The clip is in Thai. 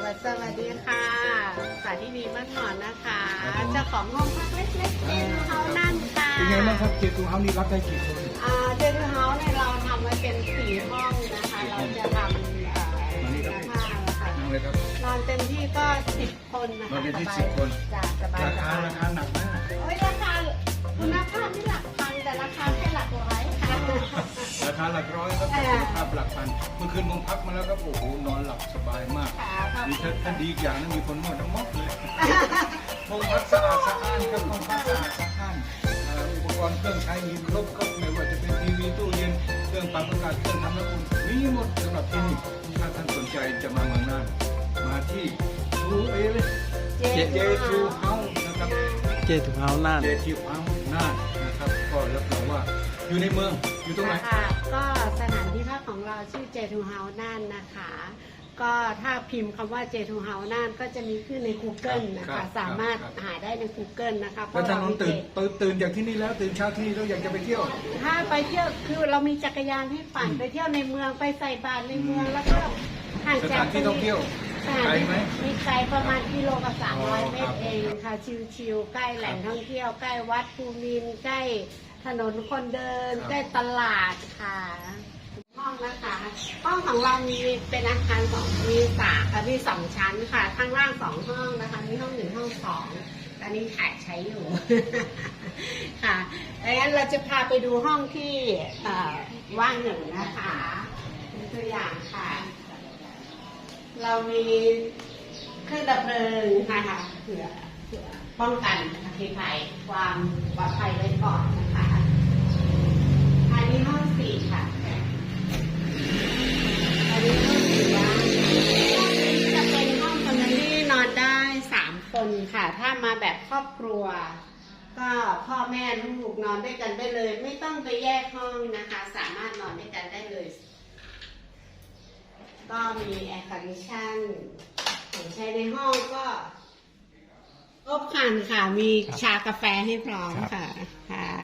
สวัสดีค่ะสาธินีบ้านหมอนนะคะเจ้าของห้องพักเล็กๆเจทูเฮาส์นั่นค่ะเป็นไงบ้างครับเจทูเฮาส์นี่รับได้กี่คนเจทูเฮาส์เนี่ยเราทำไว้เป็น4 ห้องนะคะเราจะทำผ้าค่ะนอนเต็มที่ก็10 คนนะคะนอนเต็มที่10 คนจะสบายราคาหนักมากโอ้ยราคาคุณภาพที่หลักพันแต่ราคาแค่หลักร้อยค่ะราคาหลักร้อยครับคุณภาพหลักพันเมื่อคืนผมพักมาแล้วครับโอ้โหนอนหลับสบายมากมีท่านดีอีกอย่างนึงมีคนนวดทั้งหมดเลยห้องพักสะอาดสะอ้านครับห้องพักสะอาดสะอ้านอุปกรณ์เครื่องใช้มีครบครับไม่ว่าจะเป็นทีวีตู้เย็นเครื่องปรับอากาศเครื่องทำน้ำอุ่นมีหมดสำหรับที่นี่ถ้าท่านสนใจจะมาเมืองน่านมาที่เจทูเฮาส์นะครับเจทูเฮาส์น่านนะครับก็รับรองว่าอยู่ในเมืองอยู่ตรงไหนก็สถานที่พักของเราชื่อเจทูเฮาส์น่านนะคะก็ถ้าพิมพ์คำว่าเจทูเฮาส์น่านก็จะมีขึ้นใน Google นะคะสามารถหาได้ใน Google นะคะแล้วท่านน้องตื่นจากที่นี่แล้วตื่นเช้าที่นี่แล้วอยากจะไปเที่ยวถ้าไปเที่ยวคือเรามีจักรยานให้ปั่นไปเที่ยวในเมืองไปใส่บาตรในเมืองแล้วก็ห่างจากที่ท่องเที่ยวไกลไหมมีไกลประมาณกิโลกับ300 เมตรเองค่ะชิวๆใกล้แหล่งท่องเที่ยวใกล้วัดภูมินทร์ใกล้ถนนคนเดินใกล้ตลาดค่ะห้องนะคะห้องของเรามีเป็นอาคารมี2 ชั้นค่ะข้างล่าง2 ห้องนะคะมีห้อง1ห้อง2ตอนนี้ขาดใช้อยู่ค่ะดังนั้นเราจะพาไปดูห้องที่ว่าง1นะคะเป็นตัวอย่างค่ะเรามีเครื่องดับเพลิงนะคะเพื่อป้องกันอัคคีภัยความปลอดภัยไว้ก่อนนะคะอันนี้ห้อง4ค่ะอันนี้ห้อง4นะจะเป็นห้องแฟมิลี่นอนได้3 คนค่ะถ้ามาแบบครอบครัวก็พ่อแม่ลูกนอนด้วยกันได้เลยไม่ต้องไปแยกห้องนะคะสามารถนอนด้วยกันได้เลยก็มีแอร์คอนดิชั่นของใช้ในห้องก็ครบครันค่ะมีชากาแฟให้พร้อมค่ะ